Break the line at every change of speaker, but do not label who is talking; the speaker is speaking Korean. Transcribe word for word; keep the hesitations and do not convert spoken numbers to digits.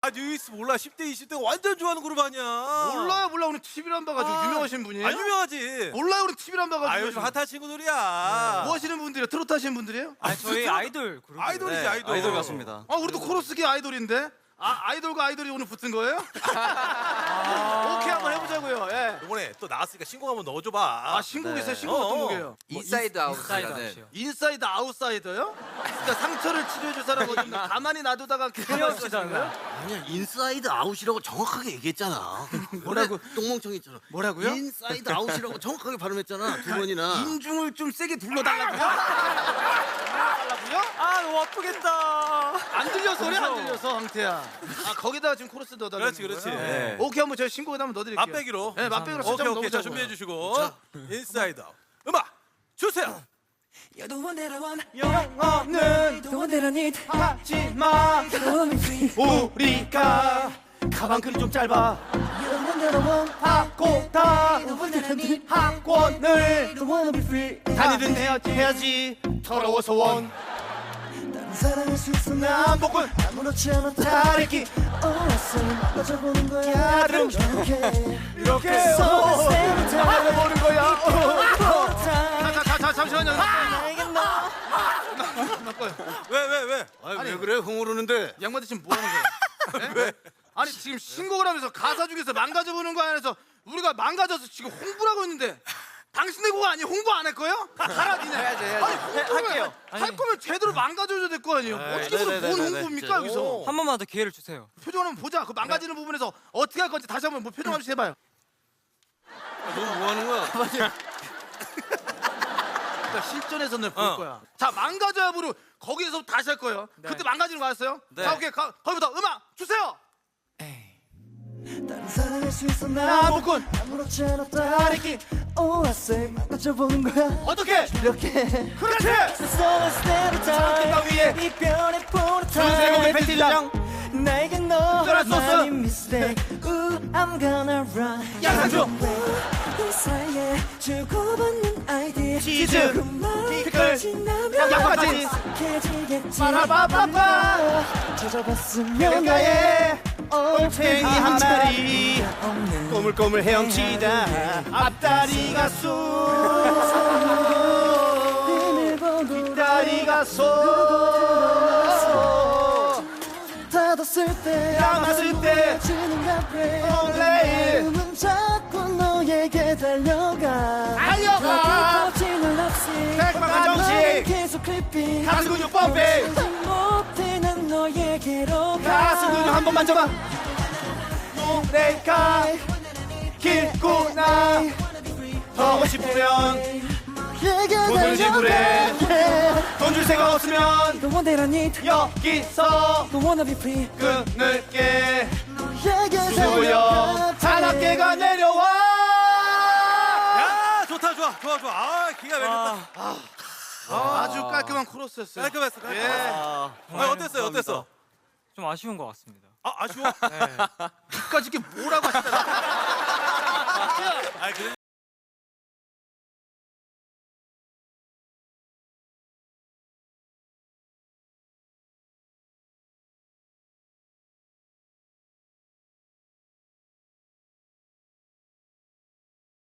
뉴이스 몰라. 십 대 이십 대 완전 좋아하는 그룹 아니야.
몰라요 몰라. 우리 티비를 안 봐가지고.
아,
유명하신 분이에요?
아 유명하지.
몰라요. 우리 티비를 안 봐가지고.
아 요즘 핫한 친구들이야.
뭐 하시는 분들이에요? 트로트 하시는 분들이에요?
아 저희 아이돌 그룹.
아이돌이지 아이돌.
아이돌 같습니다.
아 우리도 코러스계 아이돌인데. 아 아이돌과 아이돌이 오늘 붙은 거예요? 아, 오케이 한번 해보자고요. 예.
이번에 또 나왔으니까 신곡 한번 넣어줘봐.
아 신곡 있어요? 신곡
어,
어떤
어.
곡이에요?
인사이드 아웃.
인사이드
네.
아웃이요.
인사이드 아웃사이더요? 그러니까 상처를 치료해줄 사람 어디 없나? 가만히 놔두다가
필요하시잖아요.
아니야 인사이드 아웃이라고 정확하게 얘기했잖아.
뭐라고?
똥멍청이처럼.
뭐라고요?
인사이드 아웃이라고 정확하게 발음했잖아 두 번이나.
인중을 좀 세게 불러달라고요? 달라고요?
아 너무 아프겠다.
안 들려서 그래 안 들려서 황태야. 아 거기다가 지금 코러스 넣어달라는
그렇지 그렇지.
거예요?
네.
오케이 한번 저희 신곡에 한번 넣어드릴게요.
맛배기로.
네 맛배기로
오케이
진짜
오케이. 자
넣어보자고요.
준비해 주시고. 인사이드 아웃. 음악 주세요.
You're the one that I want,
영어는
the one that I need.
하지만
The one that we free.
우리가 가방끈이 좀 짧아.
You're the one that I want,
하고 다
the one that I need.
학원을
The one that we free.
다니든 해야지 해야지 더러워서 원
다른 사랑할 수 있어 나
남복은
아무렇지 않아
다리기
어렸으면 빠져보는 거야.
야름
이렇게
이렇게
So let's stay with time.
알아보는 거야.
For time.
자자자 잠시만요.
나에게 너.
왜 왜 왜?
아니 왜 그래 흥얼르는데.
양반들 지금 뭐 하는 거야? 왜? 아니 지금 신곡을 하면서 가사 중에서 망가져보는 거 안에서 우리가 망가져서 지금 홍보를 하고 있는데 당신네 곡 아니에요? 홍보 안 할 거예요? 가라 니네. 해야지 해야지. 아니 홍보를
할게요.
할 거면 제대로 망가져줘야 될 거 아니에요? 어떻게 보면 뭔 홍보입니까 여기서?
한 번만 더 기회를 주세요.
표정 한번 보자. 그 망가지는 부분에서 어떻게 할 건지 다시 한번 뭐 표정 한번 해봐요.
너 뭐 하는 거야?
그러니까 실전에서는 볼
어.
거야. 자 망가져야 부르 거기에서 다시 할 거예요. 그때 망가지는 거 알았어요?
네.
자 오케이 가, 거기부터 음악 주세요.
다른 사랑할 수 있어 나
나무꾼
아무렇지 않아 다리기 Oh I say 망가져보는 거야.
어떻게?
이렇게
그렇지.
So let's stay with time.
장기가 위에
이별의 포르타
전세곡의 팬티장
나에게 너
쩔어 소스.
많이 mistake. Ooh, I'm gonna run.
양상추
그 사이에 주고받는 아이디
치즈, 피클,
지나면
양파까지.
익숙해지겠지.
빠라바빠빠
찾아봤으면
길가에
나의
올챙이 한 마리 꼬물꼬물 헤엄치다 앞다리가 쑥 뒷다리가 속
닫았을 때
감았을 때
지는 카페
올레
문 잡고 너에게 달려가
달려가
거짓말 없이
백방한 정식.
나는 계속 클리핑
가슴 근육 펌핑
못해 난 너에게로 가
가슴 근육 한 번 만져봐 노래가 길구나 더 싶으면 돈을 지불해 돈 줄 생각 없으면
The one that I need
여기서
The one that be free
끊을게
너에게
수고여 찬악계가 내려와
야 좋다 좋아 좋아 좋아. 아 기가 막혔다.
아주 깔끔한 코러스였어요.
깔끔했어. 깔끔했어.
예.
아, 어땠어요 어땠어?
좀 아쉬운 것 같습니다.
아 아쉬워?
끝까지 이게 뭐라고 하시더라.
아 그래.